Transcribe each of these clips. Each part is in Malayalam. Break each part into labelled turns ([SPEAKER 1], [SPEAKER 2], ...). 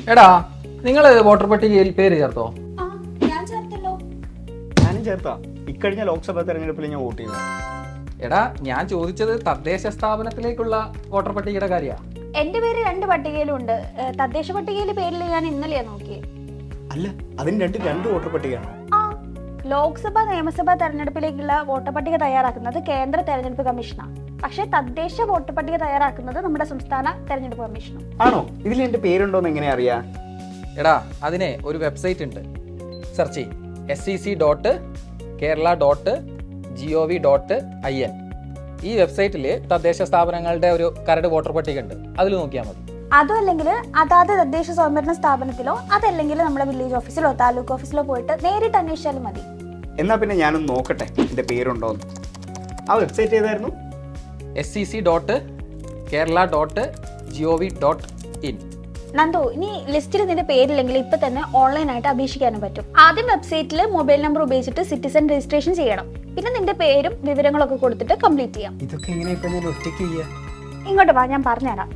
[SPEAKER 1] എടാ നിങ്ങൾ വോട്ടർ പട്ടികയിൽ പേര് ചേർത്തോ?
[SPEAKER 2] ഞാൻ ചേർത്തല്ലോ.
[SPEAKER 3] ഞാനും ചേർത്താ. ഇക്കഴിഞ്ഞ ലോക്സഭാ തെരഞ്ഞെടുപ്പിൽ ഞാൻ വോട്ട് ചെയ്തു.
[SPEAKER 1] എടാ ഞാൻ ചോദിച്ചത് തദ്ദേശ സ്ഥാപനത്തിലേക്കുള്ള വോട്ടർ പട്ടികയുടെ കാര്യമാണ്.
[SPEAKER 2] എന്റെ പേര് 2 പട്ടികയിലുണ്ട്. തദ്ദേശ പട്ടികയിലെ പേരിൽ ഞാൻ ഇന്നലെയാ നോക്കിയേ.
[SPEAKER 3] അല്ല, അതിന് രണ്ട് വോട്ടർ പട്ടികയാണോ?
[SPEAKER 2] ആ, ലോക്സഭാ നിയമസഭാ തെരഞ്ഞെടുപ്പിലേക്കുള്ള വോട്ടർ പട്ടിക തയ്യാറാക്കുന്നത് കേന്ദ്ര തെരഞ്ഞെടുപ്പ് കമ്മീഷനാണ്. പക്ഷേ തദ്ദേശ വോട്ടർ പട്ടിക തയ്യാറാക്കുന്നത് നമ്മുടെ സംസ്ഥാന തെരഞ്ഞെടുപ്പ് കമ്മീഷനും.
[SPEAKER 3] ആണോ? ഇതിൽ എന്റെ പേരുണ്ടോന്ന് എങ്ങനെ അറിയാ?
[SPEAKER 1] എടാ അതിനെ ഒരു വെബ്സൈറ്റ് ഉണ്ട്, സെർച്ച് ചെയ്യും sec.kerala.gov.in. ഈ വെബ്സൈറ്റിൽ തദ്ദേശ സ്ഥാപനങ്ങളുടെ ഒരു കരട് വോട്ടർ പട്ടിക ഉണ്ട്, അതിൽ നോക്കിയാൽ മതി.
[SPEAKER 2] അതും അല്ലെങ്കിൽ അതാത് തദ്ദേശ സ്വയംഭരണ സ്ഥാപനത്തിലോ അതല്ലെങ്കിൽ നമ്മുടെ വില്ലേജ് ഓഫീസിലോ താലൂക്ക് ഓഫീസിലോ പോയിട്ട് നേരിട്ട് അന്വേഷിച്ചാലും മതി.
[SPEAKER 3] എന്നാ പിന്നെ ഞാനൊന്ന് നോക്കട്ടെ എന്റെ പേരുണ്ടോന്ന്. ആ വെബ്സൈറ്റ് ഏതായിരുന്നു?
[SPEAKER 1] sec.kerala.gov.in.
[SPEAKER 2] നന്ദു, ഇനി ലിസ്റ്റിൽ നിന്റെ പേരില്ലെങ്കിൽ ഇപ്പൊ തന്നെ ഓൺലൈനായിട്ട് അപേക്ഷിക്കാനും പറ്റും. ആദ്യം വെബ്സൈറ്റിൽ മൊബൈൽ നമ്പർ ഉപയോഗിച്ചിട്ട് സിറ്റിസൺ രജിസ്ട്രേഷൻ ചെയ്യണം. പിന്നെ നിന്റെ പേരും വിവരങ്ങളൊക്കെ കൊടുത്തിട്ട് കംപ്ലീറ്റ് ചെയ്യാം.
[SPEAKER 3] ഇതൊക്കെ എങ്ങനെ ഇപ്പൊ ഞാൻ ഒറ്റയ്ക്ക് ചെയ്യാ?
[SPEAKER 2] ഇങ്ങോട്ട് വാ, ഞാൻ പറഞ്ഞുതരാം.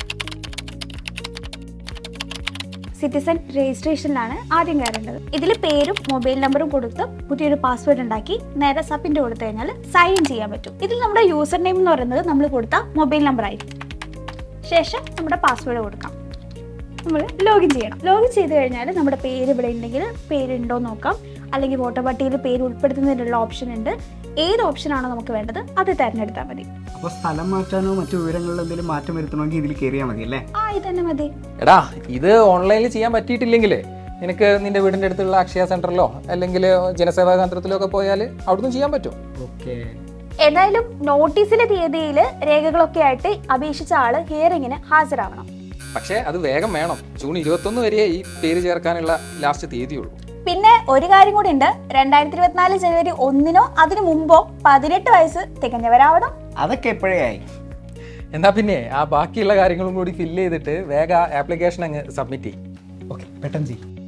[SPEAKER 2] സിറ്റിസൺ രജിസ്ട്രേഷനിലാണ് ആദ്യം കയറേണ്ടത്. ഇതിൽ പേരും മൊബൈൽ നമ്പറും കൊടുത്ത് പുതിയൊരു പാസ്വേഡ് ഉണ്ടാക്കി നേരെ സബ്മിറ്റ് കൊടുത്തു കഴിഞ്ഞാൽ സൈൻ ചെയ്യാൻ പറ്റും. ഇതിൽ നമ്മുടെ യൂസർ നെയിം എന്ന് പറയുന്നത് നമ്മൾ കൊടുത്ത മൊബൈൽ നമ്പർ ആയിരിക്കും. ശേഷം നമ്മുടെ പാസ്വേഡ് കൊടുക്കാം. നമ്മൾ ലോഗിൻ ചെയ്യണം. ലോഗിൻ ചെയ്ത് കഴിഞ്ഞാൽ നമ്മുടെ പേര് ഇവിടെ ഉണ്ടെങ്കിൽ പേരുണ്ടോ നോക്കാം, അല്ലെങ്കിൽ വോട്ടർ പട്ടികയിൽ പേര് ഉൾപ്പെടുത്തുന്നതിനുള്ള ഓപ്ഷൻ ഉണ്ട്. ഏത് ഓപ്ഷനാണോ നമുക്ക് വേണ്ടത് അത് തിരഞ്ഞെടുത്താൽ മതി.
[SPEAKER 3] അപ്പൊ സ്ഥലം മാറ്റാനോ മറ്റു വിവരങ്ങളിൽ എന്തെങ്കിലും മാറ്റം വരുത്തണമെങ്കിൽ ഇതിൽ കയറിയാൽ മതി അല്ലേ?
[SPEAKER 2] ഇത് തന്നെ മതി.
[SPEAKER 1] എടാ ഇത് ഓൺലൈനിൽ ചെയ്യാൻ പറ്റിയിട്ടില്ലെങ്കിൽ നിനക്ക് നിന്റെ വീടിന്റെ അടുത്തുള്ള അക്ഷയ സെന്ററിലോ അല്ലെങ്കിൽ ജനസേവാ കേന്ദ്രത്തിലോ ഒക്കെ പോയാൽ അവിടുന്ന് ചെയ്യാൻ പറ്റും.
[SPEAKER 3] ഓക്കെ.
[SPEAKER 2] ഏതായാലും നോട്ടീസിലെ തീയതിയിൽ രേഖകളൊക്കെ ആയിട്ട് അപേക്ഷിച്ച ആള് ഹിയറിങ്ങിന് ഹാജരാവണം.
[SPEAKER 1] പക്ഷേ അത് വേഗം വേണം. ജൂൺ 21 വരെ ഈ പേര് ചേർക്കാനുള്ള ലാസ്റ്റ് തീയതിയുള്ളൂ.
[SPEAKER 2] പിന്നെ ഒരു കാര്യം കൂടി ഉണ്ട്, 2024 ജനുവരി 1 അതിനു മുമ്പോ 18 വയസ്സ് തികഞ്ഞവരാവണം.
[SPEAKER 3] അതൊക്കെ എപ്പോഴേ ആയി.
[SPEAKER 1] എന്നാ പിന്നെ ആ ബാക്കിയുള്ള കാര്യങ്ങളും കൂടി ഫില്ല് ചെയ്തിട്ട് വേഗം ആപ്ലിക്കേഷൻ അങ്ങ് സബ്മിറ്റ് ചെയ്യും.
[SPEAKER 3] ഓക്കെ, പെട്ടെന്ന് ചെയ്യും.